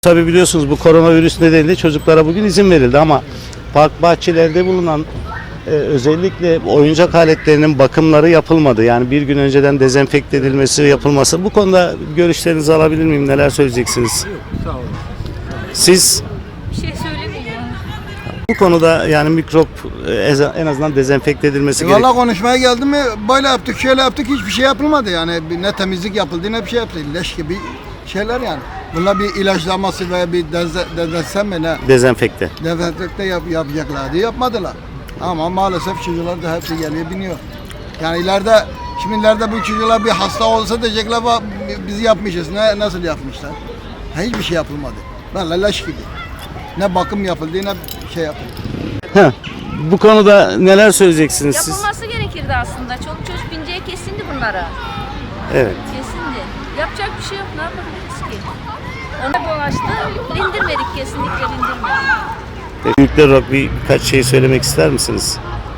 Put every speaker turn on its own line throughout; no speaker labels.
Tabii biliyorsunuz bu koronavirüs nedeniyle çocuklara bugün izin verildi ama park bahçelerde bulunan özellikle oyuncak aletlerinin bakımları yapılmadı. Yani bir gün önceden dezenfekte edilmesi, yapılması. Bu konuda görüşlerinizi alabilir miyim? Neler söyleyeceksiniz?
Sağ olun.
Siz
Bir şey söylemeyeyim.
bu konuda yani mikrop en azından dezenfekte edilmesi gerekiyor.
Valla konuşmaya geldi mi böyle yaptık şöyle yaptık hiçbir şey yapılmadı yani ne temizlik yapıldı ne bir şey yapıldı leş gibi şeyler yani. Bunlar bir ilaçlaması veya bir dezenfekte mi ne
Dezenfekte.
dezenfekte yapacaklardı yapmadılar. Ama maalesef çocuklar da hepsi geliyor biniyor. Yani ileride bu çocuklar bir hasta olsa diyecekler bizi yapmışız nasıl yapmışlar. Hiçbir şey yapılmadı. Valla leş gibi. Ne bakım yapıldı ne şey yapıldı.
Heh, bu konuda neler söyleyeceksiniz siz?
Yapılması gerekirdi aslında. Çoluk çocuk bineceği kesindi bunlara.
Evet.
Kesindi. Yapacak bir şey yok. Ne yapabiliriz ki? Ona dolaştı. İndirmedik. Kesinlikle indirmedik.
Büyükler olarak birkaç şey söylemek ister misiniz?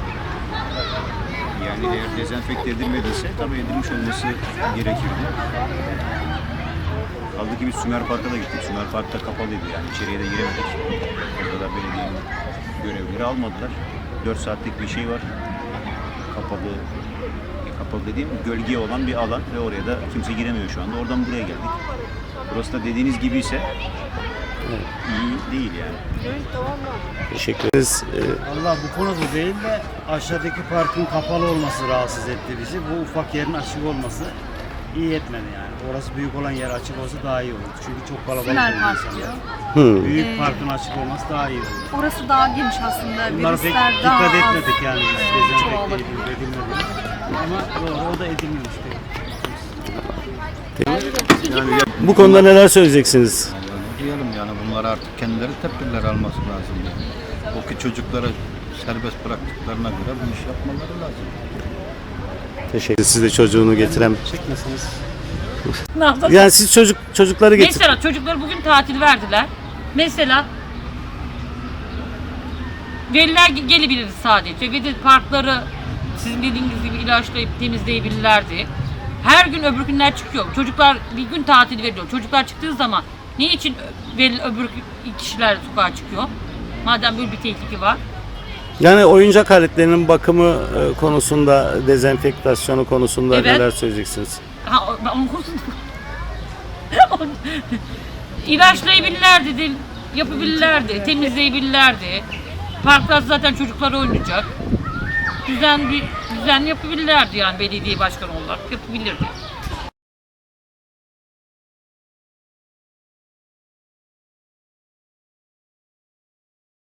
Yani eğer dezenfekte edilmediyse tabii edilmiş olması gerekirdi. Kaldı ki biz Sümer Park'a da gittik. Sümer Park da kapalıydı yani içeriye de giremedik. Orada da belediyenin görevlileri almadılar. 4 saatlik bir şey var. Kapalı dediğim gölge olan bir alan ve oraya da kimse giremiyor şu anda. Oradan buraya geldik. Burası da dediğiniz gibi ise iyi değil yani.
Teşekkür ederiz.
Allah bu konuda değil de aşağıdaki parkın kapalı olması rahatsız etti bizi. Bu ufak yerin açık olması iyi etmedi yani. Orası büyük olan yer açık olsa daha iyi olur. Çünkü çok kalabalık
Sümer
oluyor
Park
insanlar.
diyor.
Büyük parkın açık olması daha iyi olur.
Orası daha geniş aslında.
Bunlara pek
Virüsler daha
dikkat
az
etmedik yani biz dezenfekte
çoğalabilir.
edilmedi. Ama o da edilmemiş pek.
Bu konuda neler söyleyeceksiniz?
Diyelim yani bunlar artık kendileri tedbirler alması lazım. Yani. O ki çocukları serbest bıraktıklarına göre bu iş yapmaları lazım.
Teşekkür ederim. Siz de çocuğunu getiren.
Çekmeseniz.
Ne yapalım?
Yani siz çocukları getir.
Mesela çocukları bugün tatil verdiler. Mesela veliler gelebilirdi sadece. Ve de parkları sizin dediğiniz gibi ilaçlayıp temizleyebilirlerdi. Her gün öbür günler çıkıyor. Çocuklar bir gün tatil veriliyor. Çocuklar çıktığı zaman niçin öbür kişiler sokağa çıkıyor? Madem böyle bir tehlike var.
Yani oyuncak aletlerinin bakımı konusunda, dezenfektasyonu konusunda
Evet.
neler söyleyeceksiniz?
Onun konusunda ilaçlayabilirlerdi, yapabilirlerdi, temizleyebilirlerdi. Parklar zaten çocuklar oynayacak. Düzen yapabilirlerdi yani belediye başkanı olarak yapabilirdi.